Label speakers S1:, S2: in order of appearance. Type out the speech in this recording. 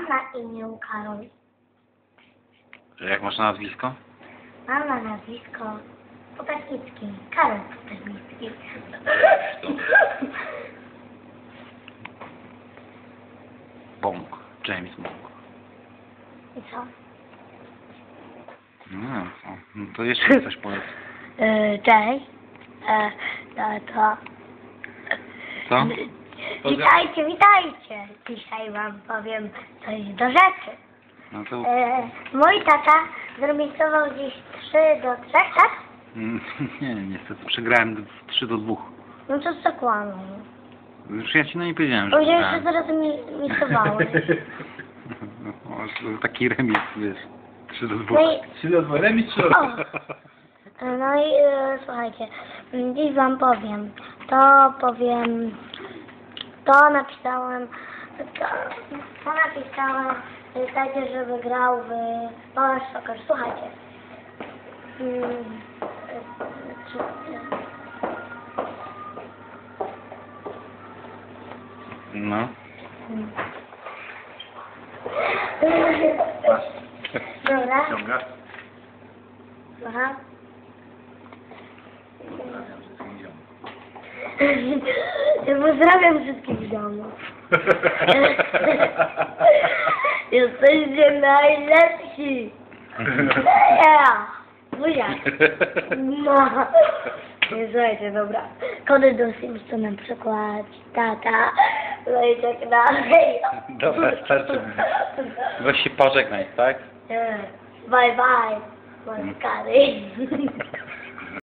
S1: Mam na imię Karol.
S2: Jak masz na nazwisko?
S1: Mam na nazwisko Kopernicki. Karol Kopernicki.
S2: Bąk. James Bąk.
S1: I co?
S2: No to jeszcze coś powiedz.
S1: Cześć. To...
S2: Co?
S1: Witajcie, witajcie. Dzisiaj wam powiem coś do rzeczy.
S2: No to...
S1: Mój tata zremisował dziś 3-3, tak?
S2: Nie, niestety przegrałem 3-2.
S1: No to co kłamą?
S2: Już ja ci nie powiedziałem, że
S1: Powiedziałeś, że
S2: przegrałem.
S1: zaraz misowałeś.
S2: No, taki remis, wiesz. 3-2.
S1: No i...
S3: 3-2, remis czy
S1: O! No i słuchajcie, dziś wam powiem, to napisałem, tacie, żeby grał w Power Soccer. Słuchajcie.
S2: No.
S1: Dobra.
S3: Ciąga.
S1: Aha. Ja pozdrawiam wszystkich w domu. Jesteście najlepsi. Ja. Buziak. No. Nie, słuchajcie, dobra. Kody do Simsa na przykład. Tata. No i tak dalej.
S2: Dobra, starczy. Weź się pożegnaj, tak?
S1: Bye bye. Moje kary.